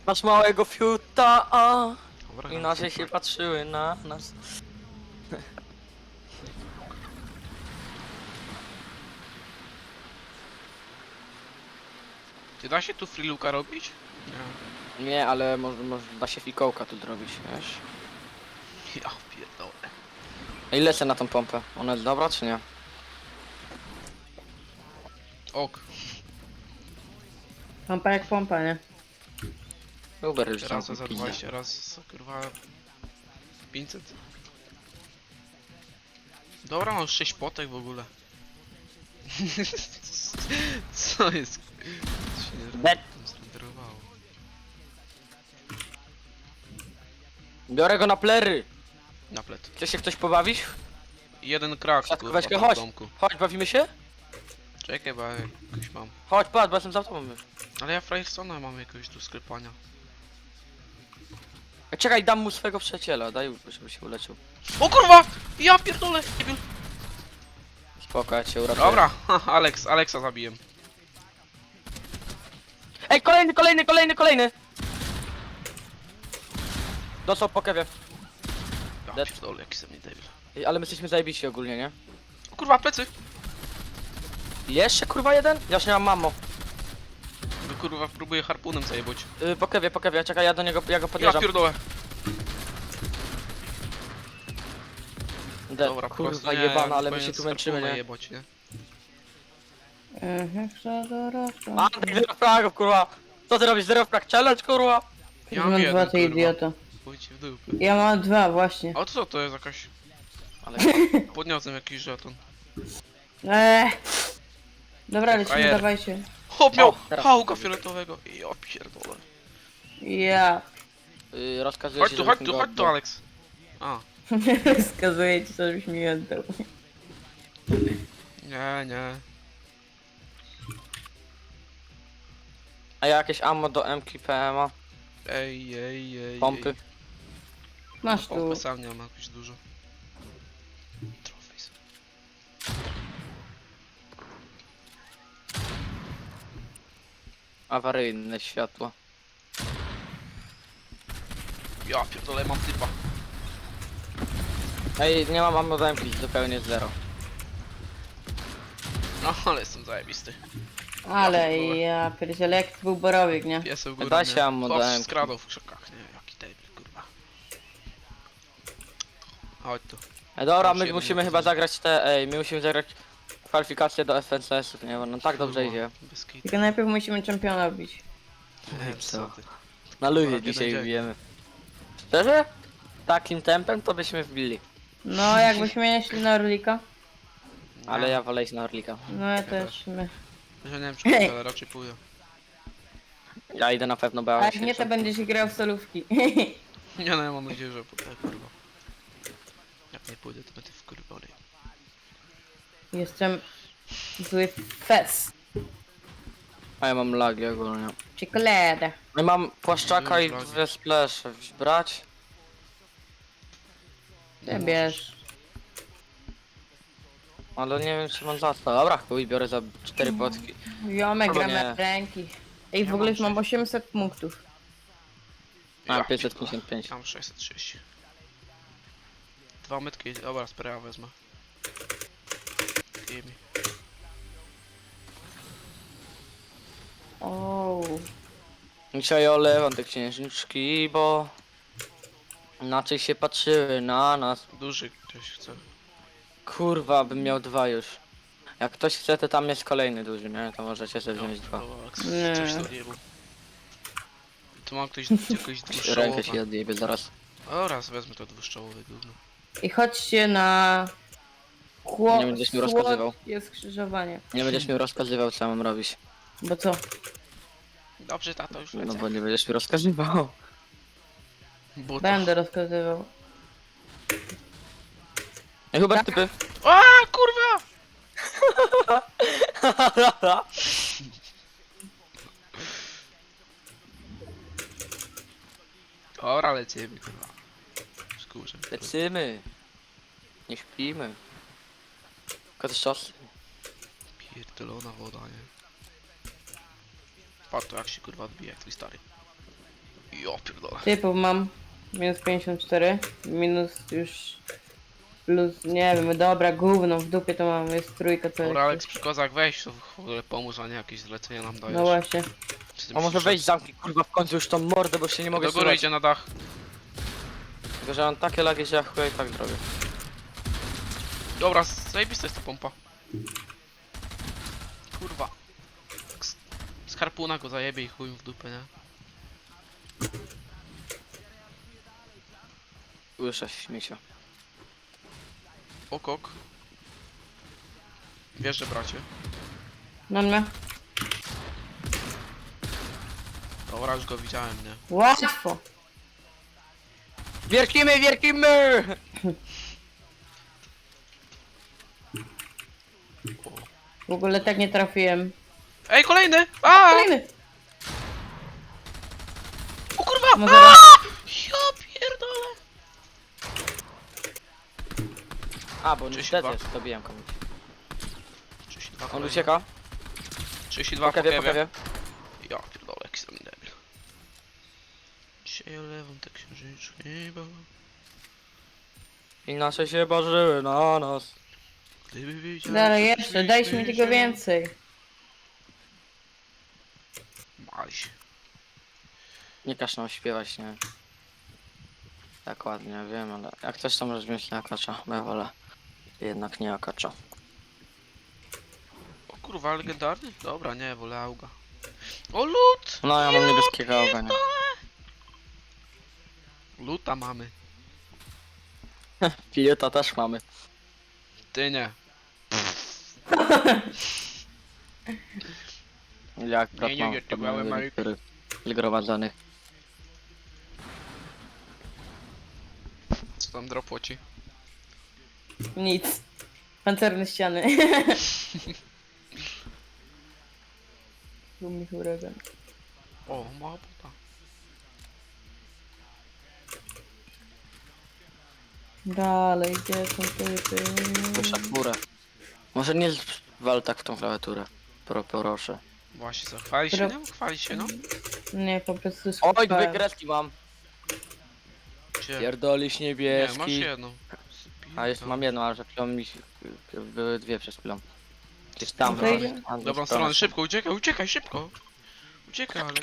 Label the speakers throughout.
Speaker 1: Masz małego fiuta, a
Speaker 2: Dobra,
Speaker 1: i nasze się patrzyły na nas.
Speaker 2: Czy da się tu freeluka robić? Nie.
Speaker 1: Nie, ale może da się fikołka tu zrobić, wiesz?
Speaker 2: Ja pierdolę.
Speaker 1: A ile lecę na tą pompę? Ona jest dobra czy nie?
Speaker 2: Ok.
Speaker 3: Pompa jak pompa, nie?
Speaker 1: Uber już
Speaker 2: Raz
Speaker 1: tam
Speaker 2: za
Speaker 1: pizdę.
Speaker 2: 20, raz za kurwa 500. Dobra, mam 6 potek w ogóle. Co jest? Co się nie
Speaker 1: Bet.
Speaker 2: zrenderowało?
Speaker 1: Biorę go na plery!
Speaker 2: Na plet.
Speaker 1: Chce się ktoś pobawić?
Speaker 2: Jeden krak
Speaker 1: Siatko,
Speaker 2: kurwa
Speaker 1: weź go,
Speaker 2: tam w
Speaker 1: chodź.
Speaker 2: domku.
Speaker 1: Chodź, bawimy się?
Speaker 2: Czekaj, bo ja jakoś mam.
Speaker 1: Chodź, patrz, bo jestem za tobą już.
Speaker 2: Ale ja Firestona mam jakoś do sklepania.
Speaker 1: Czekaj, dam mu swojego przyjaciela, daj, żeby się uleczył.
Speaker 2: O kurwa! Ja pierdolę!
Speaker 1: Spoko, ja cię uratuję.
Speaker 2: Dobra, Alexa zabiję.
Speaker 1: Ej, kolejny! Dostał po kewie.
Speaker 2: Ja
Speaker 1: Dead.
Speaker 2: pierdolę, jaki ze mnie debil.
Speaker 1: Ej, ale my jesteśmy zajebiści ogólnie, nie?
Speaker 2: O kurwa, plecy!
Speaker 1: Jeszcze kurwa jeden? Ja już nie mam mamo.
Speaker 2: No kurwa, próbuję harpunem zajebać.
Speaker 1: Po kewie, czekaj, ja do niego, ja go
Speaker 2: Ja
Speaker 1: podjeżdżam.
Speaker 2: pierdolę.
Speaker 1: Dead,
Speaker 2: Dobra, po
Speaker 1: kurwa
Speaker 2: prostu nie,
Speaker 1: jebana, ale my
Speaker 2: powinien
Speaker 1: się tu
Speaker 2: z
Speaker 1: męczymy,
Speaker 2: harpuna
Speaker 1: nie?
Speaker 2: jebać, nie?
Speaker 1: Antek, zero fragów, kurwa! Co ty robisz, zero frag challenge, kurwa?
Speaker 2: Ja
Speaker 3: mam
Speaker 2: mam
Speaker 3: dwa,
Speaker 2: jeden,
Speaker 3: ty
Speaker 2: kurwa.
Speaker 3: idioto.
Speaker 2: Pójdźcie w dupę.
Speaker 3: Ja mam dwa, właśnie.
Speaker 2: A co to jest jakaś...
Speaker 1: Ale
Speaker 2: Podniosłem jakiś żeton.
Speaker 3: Dobra, lecimy,
Speaker 2: Frajer.
Speaker 3: dawajcie.
Speaker 2: Hop, miał
Speaker 1: O, teraz.
Speaker 2: hałka fioletowego. Ja pierdolę.
Speaker 3: Ja.
Speaker 1: rozkazuję
Speaker 2: Chodź
Speaker 1: ci,
Speaker 2: tu,
Speaker 1: żebyś
Speaker 2: chodź
Speaker 1: mi
Speaker 2: tu,
Speaker 1: go
Speaker 2: chodź tu,
Speaker 1: oddał.
Speaker 2: Alex. A,
Speaker 3: Wskazuję ci, żebyś mi oddał.
Speaker 2: nie.
Speaker 1: A jakieś ammo do MK PMA?
Speaker 2: Ej.
Speaker 1: Pompy?
Speaker 3: Masz tu.
Speaker 2: Pompy sam nie mam jakoś dużo. Trophies.
Speaker 1: Awaryjne światło.
Speaker 2: Ja pierdolę, mam typa.
Speaker 1: Ej, nie mam ammo do MK, zupełnie zero.
Speaker 2: No, ale jestem zajebisty.
Speaker 3: Ale ja pierdzielę, jak to był borowik, nie?
Speaker 2: Piesem w górę,
Speaker 1: Da
Speaker 2: nie?
Speaker 1: się ammo
Speaker 2: Chłop
Speaker 1: dałem.
Speaker 2: skradał w krzakach, nie? Jaki debil, kurwa. Chodź tu.
Speaker 1: Dobra,
Speaker 2: Już
Speaker 1: my
Speaker 2: jeden
Speaker 1: musimy chyba
Speaker 2: motyw.
Speaker 1: zagrać my musimy zagrać kwalifikacje do FNCS-ów, nie? Bo no tak dobrze idzie.
Speaker 2: Bez kitu.
Speaker 3: Tylko najpierw musimy czempiona bić.
Speaker 2: Nie, co ty.
Speaker 1: Na luzie
Speaker 2: Dobra,
Speaker 1: dzisiaj
Speaker 2: jeden
Speaker 1: wbijemy. Szczerze? Takim tempem to byśmy wbili.
Speaker 3: No, jakbyśmy nie szli na Orlika.
Speaker 1: Ale ja wolę iść na Orlika.
Speaker 3: No ja też. My.
Speaker 2: Ja nie wiem czy pójdę, ale raczej pójdę.
Speaker 1: Ja idę na pewno, bo ja
Speaker 3: A
Speaker 1: mam
Speaker 3: jak nie, to
Speaker 1: 70.
Speaker 3: będziesz grał w solówki.
Speaker 2: Nie no, ja mam nadzieję, że pójdę, kurwa. Jak nie pójdę, to będę wkurwiony.
Speaker 3: Jestem zły fest.
Speaker 1: A ja mam lagi ogólnie.
Speaker 3: Czekolada.
Speaker 1: Ja mam płaszczaka i
Speaker 2: Lagi.
Speaker 1: dwie splesze. Brać?
Speaker 3: Ty bierz.
Speaker 1: Ale nie wiem czy mam za to. Dobra, chuj, biorę za 4 potki.
Speaker 3: Jomek,
Speaker 1: Albo
Speaker 3: gramy
Speaker 1: nie.
Speaker 3: na ręki. Ej, w
Speaker 2: Ja
Speaker 3: ogóle
Speaker 2: mam
Speaker 3: już mam
Speaker 2: 6.
Speaker 3: 800 punktów.
Speaker 1: Mam
Speaker 2: Ja
Speaker 1: 555.
Speaker 2: pierdolę. Mam 630. Dwa metki, dobra, sprawa wezmę. Gimme.
Speaker 3: O.
Speaker 1: Dzisiaj olewam te księżniczki, bo... Inaczej się patrzyły na nas.
Speaker 2: Duży ktoś chce.
Speaker 1: Kurwa, bym miał dwa już. Jak ktoś chce, to tam jest kolejny duży, nie? To możecie sobie wziąć dwa.
Speaker 3: Nie.
Speaker 2: Coś to odjebał. Tu mam ktoś jakoś
Speaker 1: Rękę
Speaker 2: dwuszczołowe.
Speaker 1: ci odjebie zaraz.
Speaker 2: O, raz wezmę to dwuszczołowe gówno.
Speaker 3: I chodźcie na...
Speaker 1: Nie będziesz mi rozkazywał.
Speaker 3: Jest skrzyżowanie.
Speaker 1: Nie będziesz mi rozkazywał, co mam robić.
Speaker 3: Bo co?
Speaker 2: Dobrze, tato, już
Speaker 1: No
Speaker 2: lecę.
Speaker 1: bo nie będziesz mi rozkazywał.
Speaker 2: Buta.
Speaker 3: Będę rozkazywał.
Speaker 1: Ej, Hubert, typy.
Speaker 2: A, kurwa! Ora, lecimy, kurwa. Skórze.
Speaker 1: Lecymy. Nie śpimy. Tylko też czas.
Speaker 2: Pierdolona woda, nie? Patrz to jak się kurwa odbija, jak twój stary. Ja pierdolę.
Speaker 3: Typów mam. Minus 54. Minus już... Plus, nie wiem, dobra, gówno, w dupie to mam, jest trójka, to
Speaker 2: Dobra,
Speaker 3: jest...
Speaker 2: Alex, przy kozach weź, to w ogóle pomóż, a nie jakieś zlecenia nam dajesz.
Speaker 3: No właśnie.
Speaker 2: Czy ty
Speaker 1: A może
Speaker 2: myślisz,
Speaker 1: wejść
Speaker 2: że-
Speaker 1: zamknij kurwa w końcu już tą mordę, bo się nie mogę
Speaker 2: Do góry
Speaker 1: słuchać.
Speaker 2: idzie na dach.
Speaker 1: Tylko, że mam takie lagi, że ja chuja i tak zrobię.
Speaker 2: Dobra, zajebista jest ta pompa. Kurwa. Z harpuna go zajebie i chuj w dupę, nie?
Speaker 1: Słyszę śmiecia.
Speaker 2: Okok. Wiesz, że bracie.
Speaker 3: Na mnie.
Speaker 2: Dobra, już go widziałem, nie?
Speaker 3: Łatwo.
Speaker 1: Wierkimy, wierkimy!
Speaker 3: W ogóle tak nie trafiłem.
Speaker 2: Ej, kolejny! A!
Speaker 3: Kolejny.
Speaker 2: O kurwa!
Speaker 3: Może
Speaker 2: A!
Speaker 3: raz.
Speaker 2: Ja pierdolę!
Speaker 1: A, bo
Speaker 2: Cześć,
Speaker 1: niestety
Speaker 2: chyba.
Speaker 1: dobiłem komuś.
Speaker 2: 32
Speaker 1: On
Speaker 2: kolejny.
Speaker 1: ucieka.
Speaker 2: 32
Speaker 1: Po kawie, po kawie.
Speaker 2: Ja pierdolę, jaki jestem debil. Dzisiaj olewam te księżyczki, bo...
Speaker 1: Inaczej się bażyły na nas.
Speaker 2: Gdyby wiedział,
Speaker 3: Dalej
Speaker 2: że
Speaker 3: jeszcze, dajcie mi tego więcej.
Speaker 2: Maś.
Speaker 1: Nie każ nam śpiewać, nie? Tak ładnie, wiem, ale jak coś tam możesz wziąć na akacza, bo ja wolę jednak nie akacza.
Speaker 2: O kurwa, legendarny? Dobra, nie, wolę auga. O lód!
Speaker 1: No ja mam niebieskiego ognia.
Speaker 2: Luta mamy.
Speaker 1: Pilota też mamy.
Speaker 2: Ty nie.
Speaker 1: Jak brat
Speaker 2: nie,
Speaker 1: mam
Speaker 2: nie, ty małe Marek.
Speaker 1: niektórych zgromadzonych.
Speaker 2: Co tam dropło ci?
Speaker 3: Nic. Pancerne ściany. Gumi huragan.
Speaker 2: O, mała buta.
Speaker 3: Dalej, gdzie są typy?
Speaker 1: Wyszedł górę. Może nie wal tak w tą klawiaturę. Proszę.
Speaker 2: Właśnie, co? Chwali się, nie? Chwali się, no.
Speaker 3: Nie, po prostu
Speaker 1: Oj,
Speaker 3: skupałem.
Speaker 1: dwie kreski mam.
Speaker 2: Gdzie?
Speaker 1: Pierdolisz
Speaker 2: Nie, masz
Speaker 1: niebieski.
Speaker 2: jedną.
Speaker 1: A już mam jedną, ale że chwilą mi się... były dwie przed chwilą. Gdzieś tam.
Speaker 3: No to idzie.
Speaker 1: tam
Speaker 2: Dobrą
Speaker 1: gdzieś
Speaker 2: stronę,
Speaker 1: tam.
Speaker 2: szybko, uciekaj, uciekaj, szybko. Uciekaj, Alex.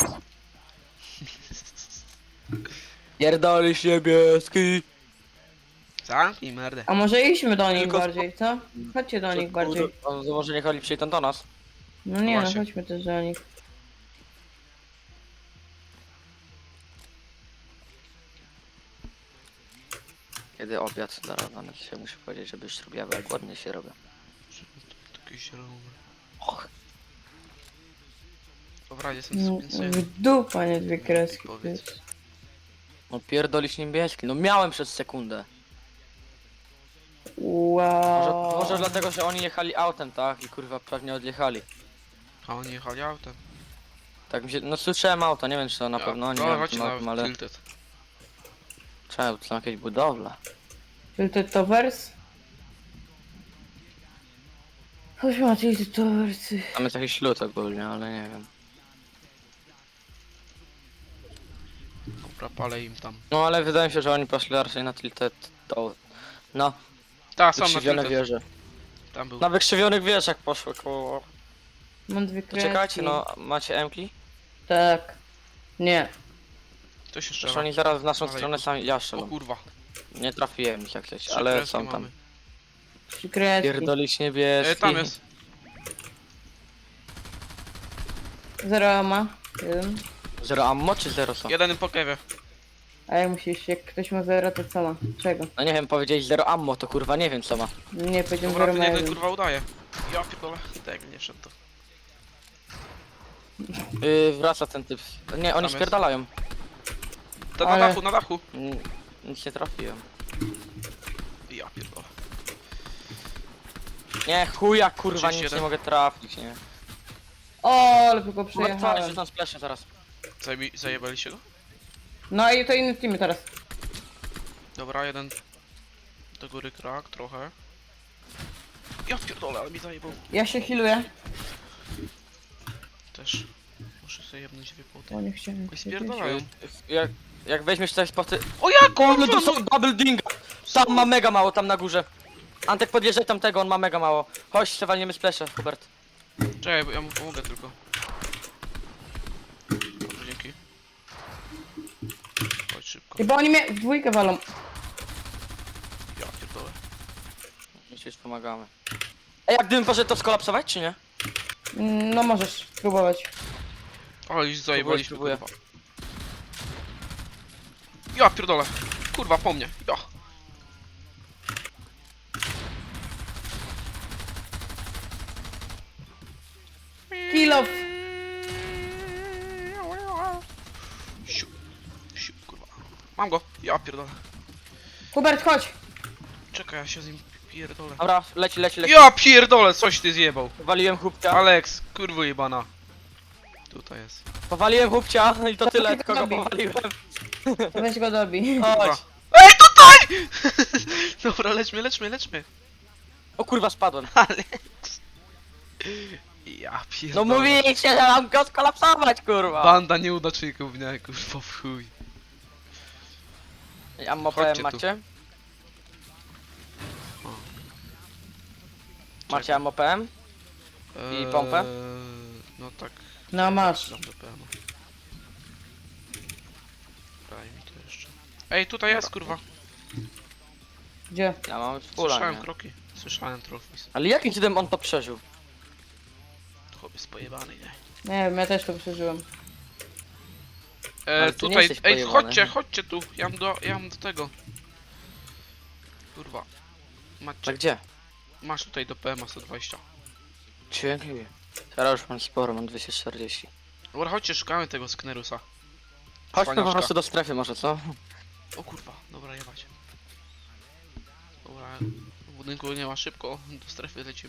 Speaker 1: Pierdolisz niebieski.
Speaker 2: Zamknij merdę.
Speaker 3: A może idźmy do nich
Speaker 1: Tylko
Speaker 3: bardziej, co? Chodźcie do nich bardziej.
Speaker 1: On może nie chodzi przyjdą do nas.
Speaker 3: No nie, no
Speaker 2: Właśnie.
Speaker 3: chodźmy też do nich.
Speaker 1: Kiedy obiad zaraz się muszę powiedzieć, żeby już robiła, bo jak ładnie się robię.
Speaker 2: Taki zielony.
Speaker 1: Och,
Speaker 2: Dobra, jestem
Speaker 3: No,
Speaker 2: z
Speaker 3: w dupa, nie dwie kreski.
Speaker 2: Powiedz.
Speaker 3: Powiedz.
Speaker 1: no pierdolisz niebieski. No miałem przez sekundę.
Speaker 3: Wow.
Speaker 1: Może dlatego, że oni jechali autem, tak? I kurwa pewnie odjechali.
Speaker 2: A oni jechali autem.
Speaker 1: Tak mi się... No słyszałem auto, nie wiem czy to na pewno oni
Speaker 2: No,
Speaker 1: miałem
Speaker 2: chodźcie
Speaker 1: tym autem,
Speaker 2: na
Speaker 1: ale...
Speaker 2: Tilted.
Speaker 1: Trzeba, to są jakieś budowle.
Speaker 3: Tilted Towers? Chodźmy na Tilted Towers.
Speaker 1: Tam jest jakiś lód ogólnie, ale nie wiem.
Speaker 2: Dobra, palę im tam.
Speaker 1: No ale wydaje mi się, że oni poszli raczej na tilted to... No,
Speaker 2: Tak, są na
Speaker 1: wykrzywione
Speaker 2: Tilted.
Speaker 1: wieże.
Speaker 2: Tam był.
Speaker 1: Na wykrzywionych wieżach poszły koło...
Speaker 3: Mam dwie
Speaker 1: To
Speaker 3: kreski.
Speaker 1: czekajcie, no macie M-ki?
Speaker 3: Tak. Nie.
Speaker 2: To się
Speaker 1: Przecież
Speaker 2: strzela.
Speaker 1: oni zaraz w naszą
Speaker 2: Ale-
Speaker 1: stronę sami... Ja
Speaker 2: O
Speaker 1: strzelam.
Speaker 2: kurwa.
Speaker 1: Nie trafiłem ich jak coś,
Speaker 2: 3
Speaker 1: ale
Speaker 2: kreski
Speaker 1: są tam.
Speaker 2: mamy.
Speaker 3: Trzy kreski.
Speaker 1: Pierdolić niebieski.
Speaker 2: Tam jest.
Speaker 3: Zero ma. Jeden.
Speaker 1: Zero ammo czy zero są?
Speaker 2: Jeden po kewie.
Speaker 3: A jak musisz, jak ktoś ma zero, to co ma? Czego?
Speaker 1: No nie wiem, powiedzieć zero ammo, to kurwa nie wiem co ma.
Speaker 3: Nie, powiedziałem
Speaker 2: Dobra,
Speaker 3: zero
Speaker 2: ten
Speaker 3: ma
Speaker 2: jeden
Speaker 3: jeden.
Speaker 2: kurwa udaje. Ja pierdolę. Tak, nie wszedł to.
Speaker 1: Wraca ten typ. Nie, oni
Speaker 2: jest.
Speaker 1: spierdalają.
Speaker 2: To na
Speaker 3: Ale-
Speaker 2: dachu, na dachu.
Speaker 1: Nic nie trafiłem.
Speaker 2: Ja pierdolę.
Speaker 1: Nie, chuja kurwa, nic
Speaker 2: 31.
Speaker 1: nie mogę trafić, nie.
Speaker 3: O, ale tylko
Speaker 1: Kurwa, twarz,
Speaker 3: przejechałem.
Speaker 1: rzucam splaszę zaraz.
Speaker 2: Zajebaliście go?
Speaker 3: No i to inny team teraz.
Speaker 2: Dobra, jeden do góry krak, trochę. Ja pierdolę, ale mi zajebał.
Speaker 3: Ja się healuję.
Speaker 2: Też. Muszę sobie jebnąć wypłoty.
Speaker 3: O, nie chciałem.
Speaker 2: Oj, spierdalają.
Speaker 1: Jak weźmiesz coś po ty...
Speaker 2: O ja
Speaker 1: Kurde,
Speaker 2: kurwa,
Speaker 1: to są double dinga! Tam ma mega mało, tam na górze. Antek, podjeżdżaj tamtego, on ma mega mało. Chodź, się walniemy splesze, Hubert.
Speaker 2: Czekaj, bo ja mu pomogę tylko. Dobra, dzięki. Chodź szybko.
Speaker 3: I bo oni mnie w dwójkę walą.
Speaker 2: Ja pierdolę.
Speaker 1: My ci już pomagamy. Ej, jak gdybym poszedł to skolapsować, czy nie?
Speaker 3: No możesz spróbować.
Speaker 2: O, już zajebaliśmy,
Speaker 1: Próbuję.
Speaker 2: kurwa. Ja pierdolę. Kurwa, po mnie. Ja.
Speaker 3: Kill off.
Speaker 2: Siu. Siu, kurwa. Mam go. Ja pierdolę.
Speaker 3: Hubert, chodź.
Speaker 2: Czekaj, ja się z nim pierdolę.
Speaker 1: Dobra, leci.
Speaker 2: Ja pierdolę, coś ty zjebał.
Speaker 1: Powaliłem chłopcia.
Speaker 2: Alex, kurwa jebana. Tutaj jest.
Speaker 1: Powaliłem chłopcia i to tyle,
Speaker 3: tylko
Speaker 1: kogo
Speaker 3: robi.
Speaker 1: powaliłem.
Speaker 3: To weź go dobi.
Speaker 1: Chodź.
Speaker 2: Ej, tutaj! Dobra, leczmy.
Speaker 1: O kurwa, spadłem.
Speaker 2: Alex. Ja
Speaker 1: No
Speaker 2: pierdolę.
Speaker 1: mówiliście, że mam go skolapsować, kurwa.
Speaker 2: Banda nieudaczników, nie, kurwa, w chuj.
Speaker 1: Ammo
Speaker 2: Chodźcie
Speaker 1: PM
Speaker 2: tu.
Speaker 1: macie?
Speaker 2: O.
Speaker 1: Macie ammo PM? I pompę?
Speaker 2: No tak.
Speaker 3: No masz.
Speaker 2: Dam do PM. Daj mi to jeszcze. Ej, tutaj jest, kurwa.
Speaker 3: Gdzie?
Speaker 1: Ja mam fulla,
Speaker 2: Słyszałem
Speaker 1: nie?
Speaker 2: kroki. Słyszałem trofis.
Speaker 1: Ale jakim cudem on to przeżył?
Speaker 2: Chłop jest pojebany, nie?
Speaker 3: Nie wiem, ja też to przeżyłem.
Speaker 1: Ale ty nie
Speaker 2: Tutaj,
Speaker 1: jesteś
Speaker 2: ej,
Speaker 1: pojebany.
Speaker 2: chodźcie tu. Ja mam do tego. Kurwa.
Speaker 1: Tak
Speaker 2: Macie,
Speaker 1: gdzie?
Speaker 2: masz tutaj do PM 120.
Speaker 1: Dzięki. Teraz już mam sporo, mam 240.
Speaker 2: Dobra, chodźcie, szukamy tego Sknerusa.
Speaker 1: Chodźmy po
Speaker 2: Cwaniaczka.
Speaker 1: prostu do strefy może, co?
Speaker 2: O kurwa, dobra, jebać. Dobra, w budynku nie ma, szybko, do strefy lecimy.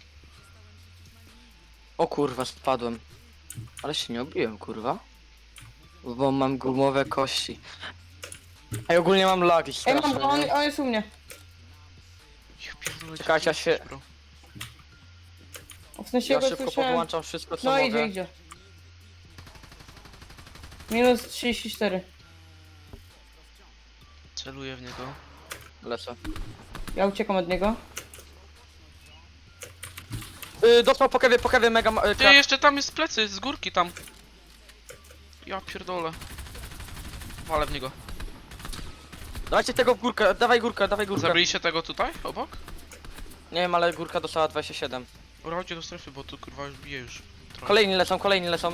Speaker 1: O kurwa, spadłem. Ale się nie obiłem, kurwa. Bo mam gumowe kości. Ej, ogólnie mam lagi
Speaker 3: Ej,
Speaker 1: straszne,
Speaker 3: mam go,
Speaker 1: nie?
Speaker 3: on jest u mnie.
Speaker 2: Ja pierdolę,
Speaker 1: Czekajcie,
Speaker 2: gdzie
Speaker 1: ja się-
Speaker 2: jesteś, bro?
Speaker 3: W sensie
Speaker 1: Ja
Speaker 3: go
Speaker 1: szybko
Speaker 3: słyszałem.
Speaker 1: podłączam wszystko, co
Speaker 3: No
Speaker 1: mogę.
Speaker 3: idzie. Minus 34.
Speaker 2: Celuję w niego.
Speaker 1: Lecę.
Speaker 3: Ja uciekam od niego.
Speaker 1: Dostał po kewie mega
Speaker 2: Ty,
Speaker 1: krak.
Speaker 2: jeszcze tam jest plecy, z górki tam. Ja pierdolę. Walę w niego.
Speaker 1: Dawajcie tego w górkę, dawaj górkę.
Speaker 2: Zabiliście tego tutaj, obok?
Speaker 1: Nie wiem, ale górka dostała 27.
Speaker 2: Dobra, chodźcie do strefy, bo tu kurwa już bije już. Trochę.
Speaker 1: Kolejni lecą.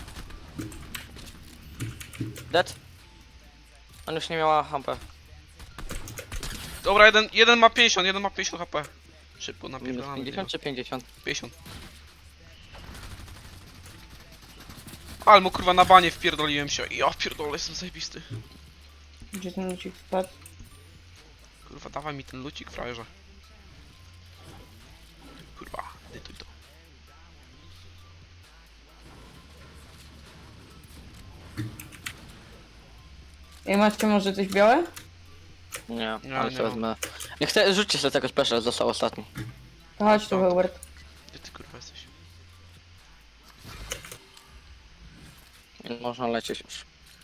Speaker 1: Dead. On już nie miała hampę.
Speaker 2: Dobra, jeden ma 50 HP. Szybko
Speaker 1: Minus
Speaker 2: napierdalamy.
Speaker 1: 50 czy 50?
Speaker 2: 50. Ale mu kurwa na banie wpierdoliłem się. Ja pierdolę, jestem zajebisty.
Speaker 3: Gdzie ten lucik spadł?
Speaker 2: Kurwa, dawaj mi ten lucik, frajerze. Kurwa, edytuj to.
Speaker 3: Ej, macie może coś białe?
Speaker 1: Nie,
Speaker 2: Nie,
Speaker 1: ale
Speaker 2: nie
Speaker 1: to
Speaker 2: mam.
Speaker 1: wezmę. Nie chcę, rzućcie sobie tego special, został ostatni.
Speaker 3: To chodź tu, Hubert.
Speaker 2: Gdzie ty kurwa jesteś?
Speaker 1: Nie można lecieć już.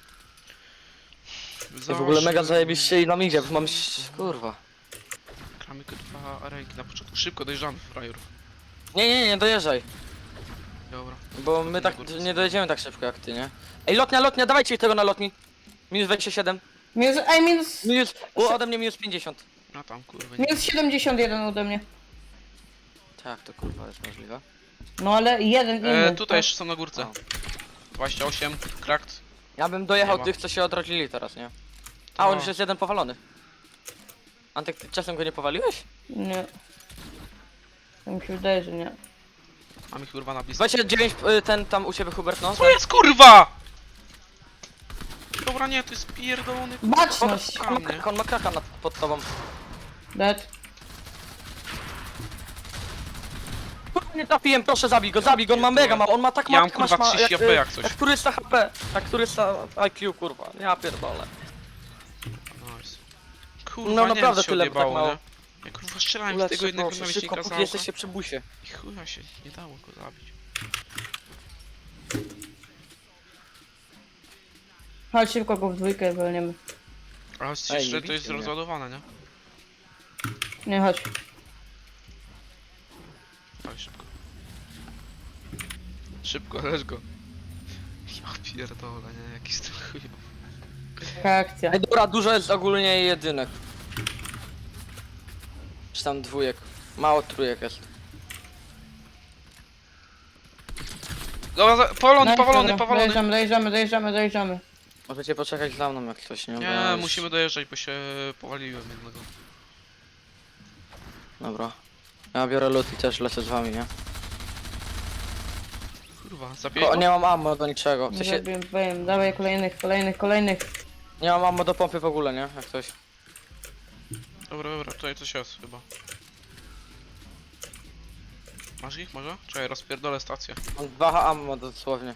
Speaker 2: Za
Speaker 1: W ogóle mega zajebiście i nam idzie, bo mam... kurwa.
Speaker 2: Gramy kurwa arenki na początku. Szybko dojeżdżamy, frajerów.
Speaker 1: Nie dojeżdżaj.
Speaker 2: Dobra.
Speaker 1: Bo my tak nie dojedziemy tak szybko jak ty, nie? Ej, lotnia, dawajcie tego na lotni. Minus 27.
Speaker 3: Minus
Speaker 1: Ode mnie minus 50.
Speaker 2: A tam kurwa nie.
Speaker 3: minus 71 ode mnie.
Speaker 1: Tak, to kurwa jest możliwe.
Speaker 3: No ale jeden inny.
Speaker 2: Tutaj jeszcze są na górce.
Speaker 1: O.
Speaker 2: 28, cracked.
Speaker 1: Ja bym dojechał
Speaker 2: Nie ma.
Speaker 1: tych, co się odrodzili teraz, nie? A, on
Speaker 2: No.
Speaker 1: już jest jeden powalony. Antek, ty czasem go nie powaliłeś?
Speaker 3: Nie. To mi się wydaje, że nie.
Speaker 2: Mam ich kurwa na blisko.
Speaker 1: 29, ten tam u ciebie, Hubert, no.
Speaker 2: Co jest kurwa? Dobra, nie, to jest pierdolony
Speaker 3: Baczność!
Speaker 1: On ma kraka pod tobą.
Speaker 3: Dead.
Speaker 1: Nie trafiłem, proszę zabij go, on ma mega mało, on ma tak
Speaker 2: Ja mam,
Speaker 1: masz
Speaker 2: kurwa, 30 HP jak coś.
Speaker 1: Jak turysta HP, jak turysta IQ, kurwa, ja pierdolę.
Speaker 2: Nice. Kurwa,
Speaker 1: No
Speaker 2: nie
Speaker 1: naprawdę
Speaker 2: wiem, się
Speaker 1: tyle, tak
Speaker 2: odjebało,
Speaker 1: mało.
Speaker 2: nie? Ja kurwa strzelałem z
Speaker 1: Lecz
Speaker 2: tego jednego
Speaker 1: szybko,
Speaker 2: namiestnika
Speaker 1: póki
Speaker 2: za
Speaker 1: jesteście przy busie.
Speaker 2: i chuja się nie dało go zabić.
Speaker 3: Chodź szybko go w dwójkę walniemy.
Speaker 2: Ale
Speaker 1: Ej,
Speaker 2: jeszcze
Speaker 1: nie
Speaker 2: to
Speaker 1: bijcie
Speaker 2: jest
Speaker 1: mnie.
Speaker 2: rozładowane, nie?
Speaker 3: Nie, chodź.
Speaker 2: Dawaj szybko. Szybko, lecz go. Ja pierdolę, nie? Jaki styl chujowy.
Speaker 3: Taka akcja.
Speaker 1: Ej, dobra, dużo jest ogólnie jedynek. Czy tam dwójek. Mało trójek jest.
Speaker 2: Dobra, powalony,
Speaker 3: Nice,
Speaker 2: powalony,
Speaker 3: dobra.
Speaker 2: powalony.
Speaker 3: Dojeżdżamy.
Speaker 1: Możecie poczekać za mną jak coś, nie? Bo ja
Speaker 2: Nie,
Speaker 1: już-
Speaker 2: musimy dojeżdżać, bo się powaliłem jednego.
Speaker 1: Dobra. Ja biorę lód i też lecę z wami, nie?
Speaker 2: Kurwa, zabiję go?
Speaker 1: Nie mam ammo do niczego. W
Speaker 3: Nie
Speaker 1: sensie,
Speaker 3: zabiłem, dawaj kolejnych.
Speaker 1: nie mam ammo do pompy w ogóle, nie? Jak coś.
Speaker 2: Dobra, tutaj coś jest chyba. Masz ich może? Czekaj, rozpierdolę stację.
Speaker 1: Mam 2 ammo dosłownie.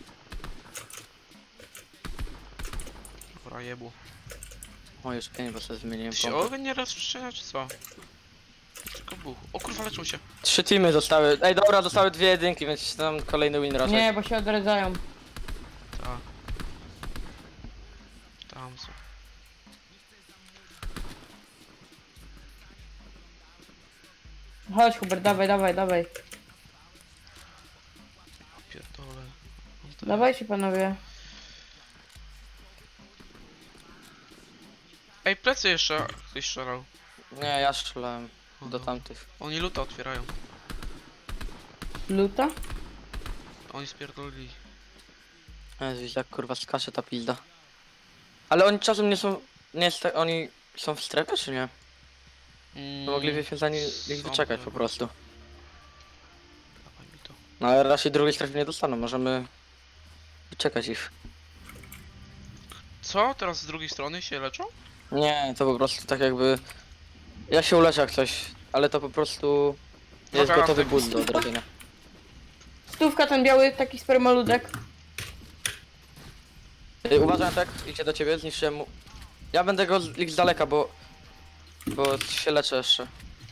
Speaker 2: Dobra, jebu.
Speaker 1: O, już 5, bo sobie zmieniłem
Speaker 2: Ty się
Speaker 1: pompę.
Speaker 2: ogień nie rozprzestrzenia, czy co? Tylko buch. O kurwa, leczą się.
Speaker 1: 3 teamy zostały. Ej, dobra, zostały 2 jedynki, więc tam kolejny win raczej.
Speaker 3: Nie, bo się odradzają.
Speaker 2: Ta. Tam są.
Speaker 3: Chodź Hubert, dawaj.
Speaker 2: Pierdolę. Mam te-
Speaker 3: Dawajcie panowie.
Speaker 2: Ej, plecy jeszcze ktoś strzelał.
Speaker 1: Nie, ja strzelałem
Speaker 2: O,
Speaker 1: do
Speaker 2: no.
Speaker 1: tamtych.
Speaker 2: Oni luta otwierają.
Speaker 3: Luta?
Speaker 2: Oni spierdolili.
Speaker 1: Jezu, jak kurwa skacze ta pizda. Ale oni czasem nie są... Nie jest tak, oni są w strefie czy nie? To moglibyśmy za nich
Speaker 2: Są
Speaker 1: wyczekać po
Speaker 2: chyba.
Speaker 1: prostu.
Speaker 2: Dawaj mi to.
Speaker 1: No ale raczej drugiej strefy nie dostaną, możemy wyczekać ich.
Speaker 2: Co? Teraz z drugiej strony się leczą?
Speaker 1: Nie, to po prostu tak jakby... Ja się uleczę jak coś, ale to po prostu... Jest
Speaker 2: Dobra,
Speaker 1: gotowy
Speaker 2: tak.
Speaker 1: ból do odrobienia.
Speaker 3: Stówka ten biały, taki spermoludek.
Speaker 1: Uważaj tak, idzie do ciebie, zniszczyłem mu... Ja będę go z daleka, bo... Bo się leczę jeszcze.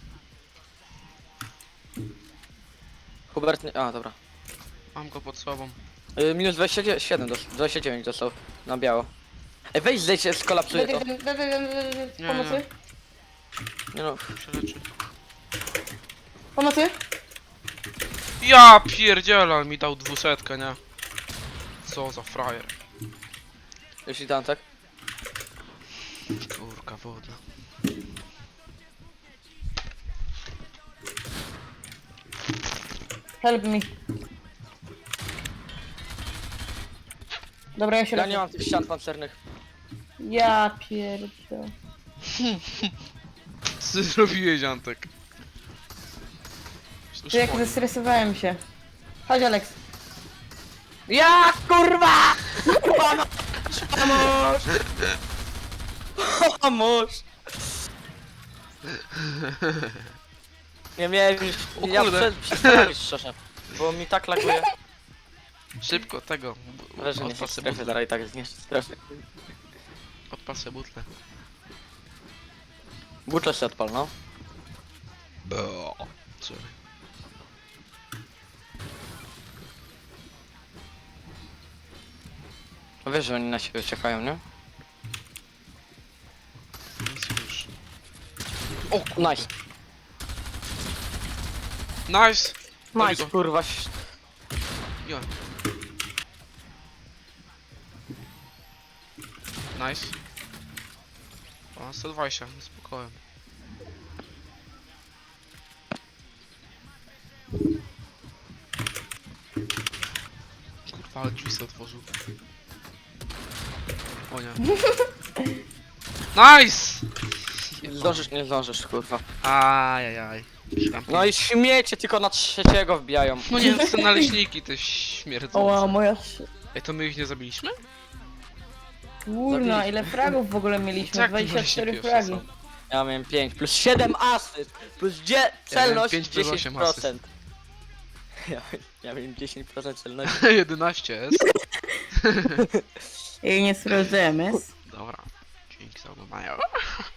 Speaker 1: Hubert nie... A, dobra.
Speaker 2: Mam go pod sobą.
Speaker 1: Minus 27, 29 dostał na biało. Ej, weź zejdź, skolapsuje to.
Speaker 2: Nie,
Speaker 3: Pomocy?
Speaker 1: Nie no,
Speaker 2: się leczy.
Speaker 3: Pomocy?
Speaker 2: Ja pierdzielę, ale mi dał 200, nie? Co za frajer.
Speaker 1: jeśli tam tak.
Speaker 2: Kurka wodna.
Speaker 3: Help me. Dobra, ja się
Speaker 1: Ja
Speaker 3: leczę.
Speaker 1: nie mam tych ścian pancernych.
Speaker 3: Ja pierdzielę.
Speaker 2: Co ty zrobiłeś, Antek?
Speaker 3: Czy jak zestresowałem się. Chodź Alex.
Speaker 1: Ja kurwa! Pomóż! Pomóż! Pomóż! Nie miałem już...
Speaker 2: O
Speaker 1: Ja
Speaker 2: kurde.
Speaker 1: przestałem szczerze. Bo mi tak laguje.
Speaker 2: Szybko, tego.
Speaker 1: Ale że nie chcę strefy, zaraz i tak zniszczy strefy.
Speaker 2: Odpasę butlę.
Speaker 1: Butle się odpal, no.
Speaker 2: Sorry.
Speaker 1: Wiesz, że oni na siebie czekają, nie?
Speaker 2: Nic już.
Speaker 1: Nice.
Speaker 2: Nice!
Speaker 1: Nice,
Speaker 2: go.
Speaker 1: kurwa.
Speaker 2: Ja. Nice. O, 120, spokojnie. Kurwa, ale drzwi sobie otworzył. O nie. Nice!
Speaker 1: Zdążysz, nie zdążysz, kurwa.
Speaker 2: Ajajaj.
Speaker 1: No i śmiecie tylko na trzeciego wbijają.
Speaker 2: No nie, to są naleśniki te śmierdzące.
Speaker 3: Oła, moja
Speaker 2: Ej, to my ich nie zabiliśmy?
Speaker 3: kurna, ile fragów w ogóle mieliśmy?
Speaker 2: Tak,
Speaker 3: 24
Speaker 2: pierwsze
Speaker 3: fragi.
Speaker 2: są.
Speaker 1: Ja miałem 5, plus 7 asyst, plus celność
Speaker 2: 5 plus 8
Speaker 1: 10%. Ja miałem 10% celności.
Speaker 2: 11 jest.
Speaker 3: I nie sprawdzamy.
Speaker 2: Dobra. Dzięki za oglądanie.